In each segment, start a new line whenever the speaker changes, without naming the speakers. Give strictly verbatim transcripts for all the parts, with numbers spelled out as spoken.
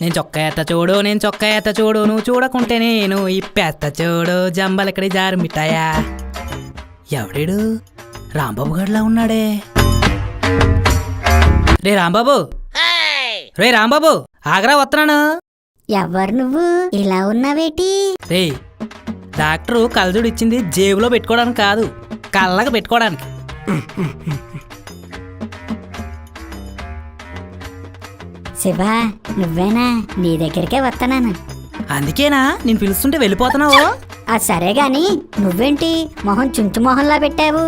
నేను చొక్కా ఎత్త చూడు నేను చొక్కా ఎత్త చూడు నువ్వు చూడకుంటే నేను ఇప్పేస్త చూడు జంబలక్కడి జారు మిఠాయా. ఎవడేడు రాంబాబు గడిలా ఉన్నాడే. రే రాంబాబు, రే రాంబాబు ఆగరా వస్తున్నాను.
ఎవరు నువ్వు ఇలా ఉన్నావేటి?
రే డాక్టరు కళ్ళజోడు ఇచ్చింది జేబులో పెట్టుకోవడానికి కాదు, కళ్ళగా పెట్టుకోవడానికి.
శివ నువ్వేనా? నీ దగ్గరికే వస్తున్నాను.
అందుకేనా నేను పిలుస్తుంటే వెళ్ళిపోతున్నావు?
ఆ సరే గాని నువ్వేంటి మొహం చుంచు మొహంలా పెట్టావు?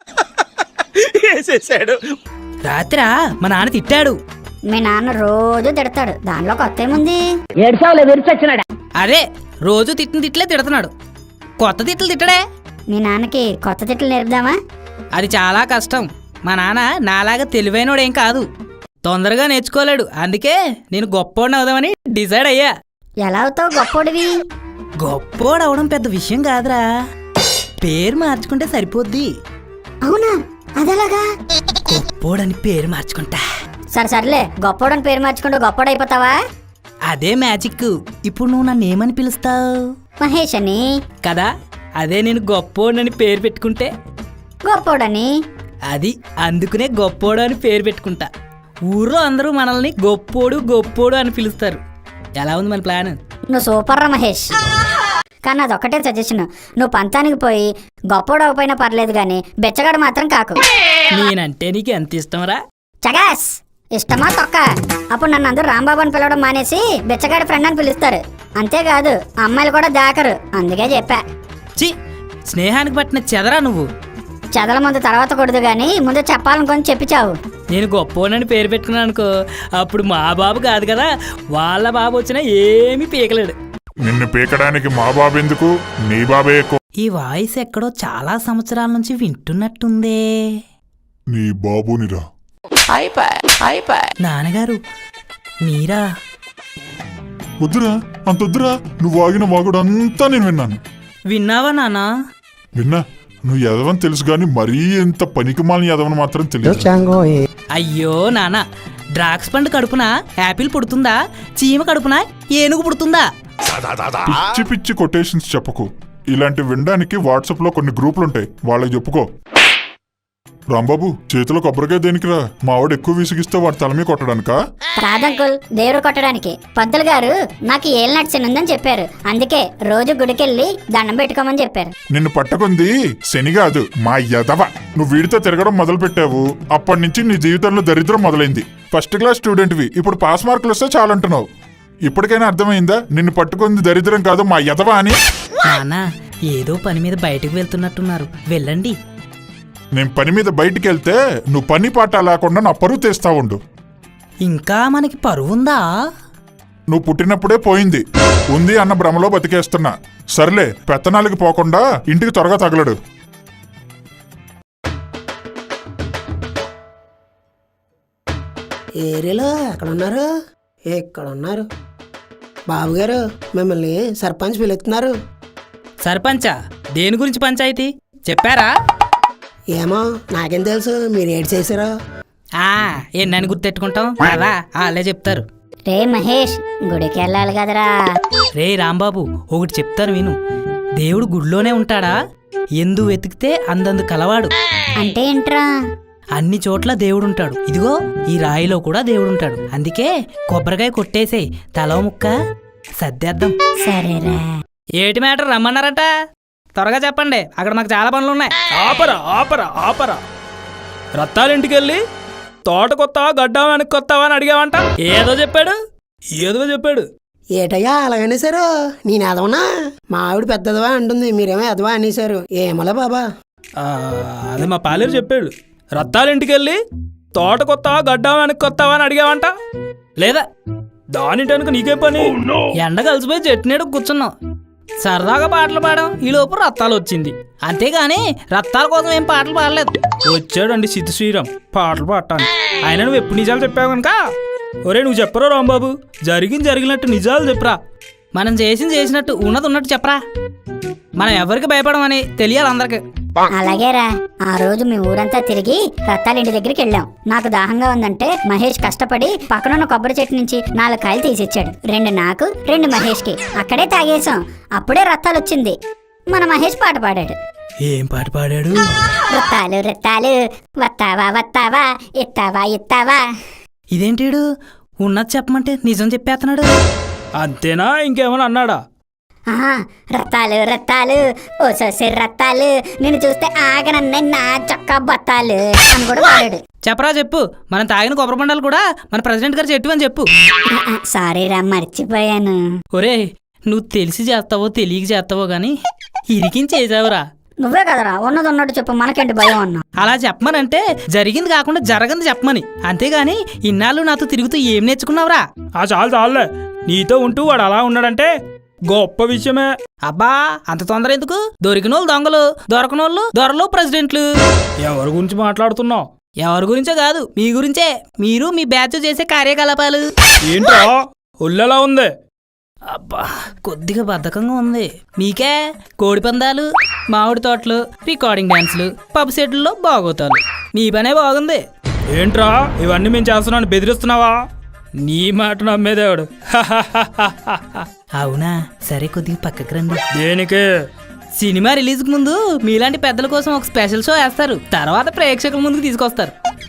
రాత్రా మా నాన్న తిట్టాడు.
మీ నాన్న రోజు తిడతాడు, దానిలో కొత్త ఏముంది?
అదే రోజు తిట్టిన తిట్లే తిడుతున్నాడు, కొత్త తిట్లు తిట్టడే.
మీ నాన్నకి కొత్త తిట్లు నేర్పుదామా?
అది చాలా కష్టం. మా నాన్న నాలాగా తెలివైనోడేం కాదు, తొందరగా నేర్చుకోలేడు. అందుకే నేను గొప్పోడిని అవుదామని డిసైడ్ అయ్యా.
ఎలా అవుతావు గొప్పోడివి?
గొప్పోడు అవడం పెద్ద విషయం కాదురా, పేరు మార్చుకుంటే సరిపోద్ది.
అవునా, అదెలాగా?
గొప్పోడని పేరు మార్చుకుంటా.
సరే సర్లే, గొప్పోడని పేరు మార్చుకుంటూ గొప్పోడు అయిపోతావా?
అదే మ్యాజిక్. ఇప్పుడు నువ్వు నన్ను ఏమని పిలుస్తావు?
మహేష్ అని
కదా. అదే నేను గొప్పోడని పేరు పెట్టుకుంటే
గొప్పోడని.
అది అందుకునే గొప్పోడు అని పేరు పెట్టుకుంటా. ఊర్లో అందరూ మనల్ని గొప్పోడు గొప్పోడు అని పిలుస్తారు. ఎలా ఉంది మన ప్లాన్?
నువ్వు సూపర్ రా మహేష్. కానీ అదొక్కటే సజెషన్, నువ్వు పంతానికి పోయి గొప్పోడు అవ్వపోయినా పర్లేదు గాని బెచ్చగాడు మాత్రం కాకు.
నేనంటే నీకు ఎంత ఇష్టంరా?
చగాస్ ఇష్టమా తొక్క? అప్పుడు నన్ను అందరూ రాంబాబు అని పిలవడం మానేసి బెచ్చగాడి ఫ్రెండ్ అని పిలుస్తారు. అంతేకాదు అమ్మాయిలు కూడా దాకరు, అందుకే చెప్పా.
చి స్నేహానికి పట్టిన చెదరా నువ్వు.
చదల ముందు తర్వాత కొడదు గాని ముందు చెప్పాలనుకొని చెప్పిచావు.
నేను గొప్పోనని పేరు పెట్టుకున్నాను అనుకో, అప్పుడు మా బాబు కాదు కదా, వాళ్ళ బాబు వచ్చినా ఏమీ పీకలేడు.
నిన్ను పీకడానికి మా బాబు ఎందుకు, నీ బాబే ఎక్కువ.
ఈ వాయిస్ ఎక్కడో చాలా సంవత్సరాల నుంచి వింటున్నట్టుందే.
నీ బాబునిరా.
నాన్నగారు మీరా?
వద్దురా, అంత వద్దురా. నువ్వు ఆగిన వాగుడు అంతా నేను విన్నాను.
విన్నావా నాన్నా?
విన్నా. నువ్వు ఎదవని తెలుసు గాని మరీ ఎంత పనికిమాలిన ఎదవని మాత్రం తెలియదు.
అయ్యో నాన్న, డ్రాక్స్ పండు కడుపున యాపిల్ పుడుతుందా, చీమ కడుపున ఏనుగు పుడుతుందా?
పిచ్చి పిచ్చి కొటేషన్స్ చెప్పకు. ఇలాంటి వినడానికి వాట్సాప్ లో కొన్ని గ్రూపులుంటాయి, వాళ్ళకి చెప్పుకో. రాంబాబు చేతిలో కొబ్బరికాయ దేనికిరా? మావాడు ఎక్కువ విసిగిస్తే వాడి తల మీద కొట్టడానికా?
రాదంకుల్, దేవుడు కొట్టడానికి. పంతులు గారు నాకు ఏలినాటి శని ఉందని చెప్పారు, అందుకే రోజు గుడికెళ్ళి దండం పెట్టుకోమని చెప్పారు.
నిన్ను పట్టుకుంది శని కాదు, మా యదవ. నువ్వు వీడితో తిరగడం మొదలు పెట్టావు, అప్పటి నుంచి నీ జీవితంలో దరిద్రం మొదలైంది. ఫస్ట్ క్లాస్ స్టూడెంట్వి, ఇప్పుడు పాస్ మార్కులు వస్తే చాలంటున్నావు. ఇప్పటికైనా అర్థమైందా నిన్ను పట్టుకుంది దరిద్రం కాదు మా యదవ అని?
నాన్న ఏదో పని మీద బయటకు వెళ్తున్నట్టున్నారు, వెళ్ళండి.
నేను పని మీద బయటికి వెళ్తే నువ్వు పని పాట లేకుండా నా పరువు తీస్తా ఉండు.
ఇంకా మనకి పరువుందా?
నువ్వు పుట్టినప్పుడే పోయింది, ఉంది అన్న భ్రమలో బతికేస్తున్నా. సర్లే, పెత్తనాలకి పోకుండా ఇంటికి త్వరగా తగలడు.
ఏరియాలో ఎక్కడున్నారు? ఎక్కడున్నారు? బాబుగారు మిమ్మల్ని సర్పంచ్ పిలుస్తున్నారు.
సర్పంచా? దేని గురించి పంచాయతీ చెప్పారా?
ఏమో నాకేం తెలుసు, మీరు ఏడు చేశారో.
ఆ ఎన్నని గుర్తెట్టుకుంటాం కదా, వాళ్ళే చెప్తారు.
రే మహేష్, గుడికి వెళ్ళాలి కదరా.
రే రాంబాబు ఒకటి చెప్తాను విను. దేవుడు గుడిలోనే ఉంటాడా? ఎందు వెతికితే అందందు కలవాడు.
అంటే ఏంట్రా?
అన్ని చోట్ల దేవుడుంటాడు. ఇదిగో ఈ రాయిలో కూడా దేవుడుంటాడు. అందుకే కొబ్బరికాయ కొట్టేసేయ్, తలో ముక్క సర్దేద్దాం.
సరేరా.
ఏటి మ్యాటర్ రమ్మన్నారట? త్వరగా చెప్పండి, అక్కడ మాకు చాలా పనులు ఉన్నాయి.
ఆపరా ఆపరా ఆపరా రత్తాలింటికి వెళ్ళి తోట కొత్తావా గడ్డ వెనక్కి కొత్తావా అని అడిగావంట. ఏదో చెప్పాడు ఏదో చెప్పాడు
ఏటయ్యా అలాగనేసారు? నేను ఎదవనా? మా ఆవిడ పెద్దదవా అంటుంది, మీరేమో ఎదవా అనేసారు. ఏమోలే బాబా.
అదే మా పాలేరు చెప్పాడు. రత్తాలింటికి వెళ్ళి తోట కొత్తావా గడ్డ వెనక్కి కొత్తావా అని అడిగావంట. లేదా దానిటనుక నీకేం పని?
ఎండ కలిసిపోయి చెట్టు నీడ కూర్చున్నాం, సరదాగా పాటలు పాడాం. ఈ లోపు రత్తాలు వచ్చింది, అంతేగాని రత్తాల కోసం ఏం పాటలు పాడలేదు.
వచ్చాడండి సిద్ధు శ్రీరామ్ పాటలు పాడటాను. ఆయన నువ్వు ఎప్పుడు నిజాలు చెప్పావు కనుక, ఒరే నువ్వు చెప్పరా రాంబాబు, జరిగింది జరిగినట్టు నిజాలు చెప్పరా.
మనం చేసింది చేసినట్టు ఉన్నది ఉన్నట్టు చెప్పరా. మనం ఎవరికి భయపడమని తెలియాలి అందరికి.
అలాగేరా. ఆ రోజు మీ ఊరంతా తిరిగి రత్తాల ఇంటి దగ్గరికి వెళ్ళాం. నాకు దాహంగా ఉందంటే మహేష్ కష్టపడి పక్కనున్న కొబ్బరి చెట్టు నుంచి నాలుగు కాయలు తీసిచ్చాడు. రెండు నాకు, రెండు మహేష్ కి. అక్కడే తాగేశాం. అప్పుడే రత్తాలు వచ్చింది. మన మహేష్ పాట పాడాడు.
ఏం పాట పాడాడు?
రత్తాలు రత్తాలు వత్తావా వత్తావా ఇత్తావా ఇత్తావా.
ఇదేంటిడు ఉన్నది చెప్పమంటే నిజం చెప్పేస్తున్నాడు.
అంతేనా, ఇంకేమైనా అన్నాడా?
ఆహా, రత్తాలు రత్తాలు ఓ సొసె రత్తాలు నిన్ను చూస్తే ఆగనన్నే నా చొక్కా బత్తాలు అని కూడా పాడాడు.
చెప్పరా చెప్పు. మనం తాగిన కొబ్బరి బండాలు కూడా మన ప్రెసిడెంట్ గారు చెట్టు అని చెప్పు.
సారీ రా, మర్చిపోయాను.
ఒరే, నువ్వు తెలిసి చేస్తావో తెలియక చేస్తావో గాని ఇరికించేసావురా.
నువ్వే కదరా ఉన్నది ఉన్నట్టు చెప్పు, మనకేంటి భయం అన్నా.
అలా చెప్పమనంటే జరిగింది కాకుండా జరగంది చెప్పమని. అంతేగాని ఇన్నాళ్ళు నాతో తిరుగుతూ ఏం నేర్చుకున్నావురా?
ఆ చాలు చాలులే. నీతో ఉంటూ వాడు అలా ఉన్నాడంటే గొప్ప విషయమే.
అబ్బా, అంత తొందర ఎందుకు? దొరికినోళ్ళు దొంగలు, దొరకనోళ్ళు దొరలు ప్రెసిడెంట్లు.
ఎవరి గురించి మాట్లాడుతున్నావు?
ఎవరి గురించో కాదు, మీ గురించే. మీరు మీ బ్యాచ్ చేసే కార్యకలాపాలు.
ఏంట్రా ఒళ్ళెలా ఉంది?
అబ్బా, కొద్దిగా బద్ధకంగా ఉంది. మీకే కోడి పందాలు, మామిడి తోటలు, రికార్డింగ్ డాన్సులు, పబ్ సెట్లలో బాగోతాలు. మీ పనే బాగుంది.
ఏంట్రా ఇవన్నీ మేము చేస్తున్నాను బెదిరిస్తున్నావా? నీ మాట నమ్మేదేవాడు.
అవునా, సరే కొద్దిగా పక్కకి రండి.
దేనికి?
సినిమా రిలీజ్కి ముందు మీలాంటి పెద్దల కోసం ఒక స్పెషల్ షో వేస్తారు. తర్వాత ప్రేక్షకుల ముందుకు తీసుకొస్తారు.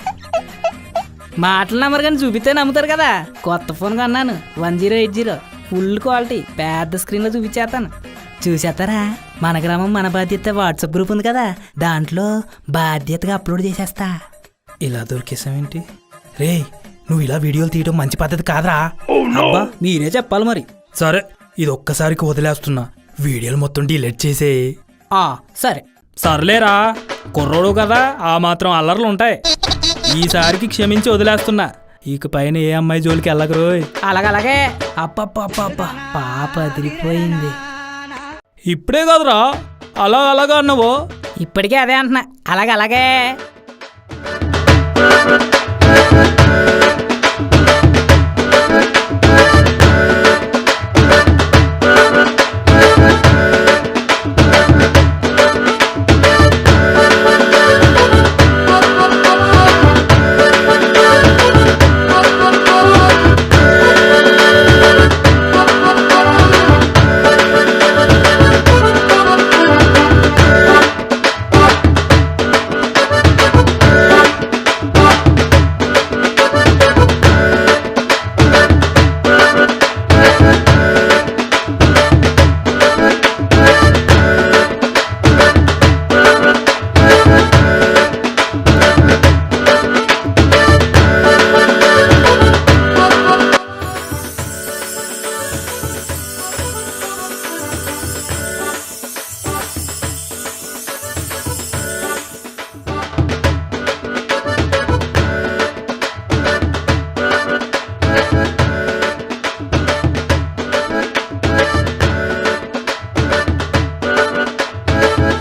మాటలు నమ్మరు కానీ చూపిస్తే నమ్ముతారు కదా. కొత్త ఫోన్ కొన్నాను, one zero eight zero full quality, పెద్ద స్క్రీన్లో చూపించేస్తాను. చూసేస్తారా? మన గ్రామం మన బాధ్యత వాట్సాప్ గ్రూప్ ఉంది కదా, దాంట్లో బాధ్యతగా అప్లోడ్ చేసేస్తా.
ఇలా దొరికేసావేంటి? రే, నువ్వు ఇలా వీడియోలు తీయడం మంచి పద్ధతి కాదురా.
అబ్బా, మీరే చెప్పాలి మరి.
సరే, ఇది ఒక్కసారికి వదిలేస్తున్నా. వీడియోలు మొత్తం డిలీట్ చేసే.
ఆ సరే.
సర్లేరా, కుర్రోడు కదా, ఆ మాత్రం అల్లర్లు ఉంటాయి. ఈసారికి క్షమించి వదిలేస్తున్నా. ఇక పైన ఏ అమ్మాయి జోలికి వెళ్ళకరోయ్.
అలాగలాగే. అప్పప్ప పాప అదిరిపోయింది.
ఇప్పుడే కదరా అలా అలాగా అన్నావో.
ఇప్పటికే అదే అంటున్నా. అలాగలాగే.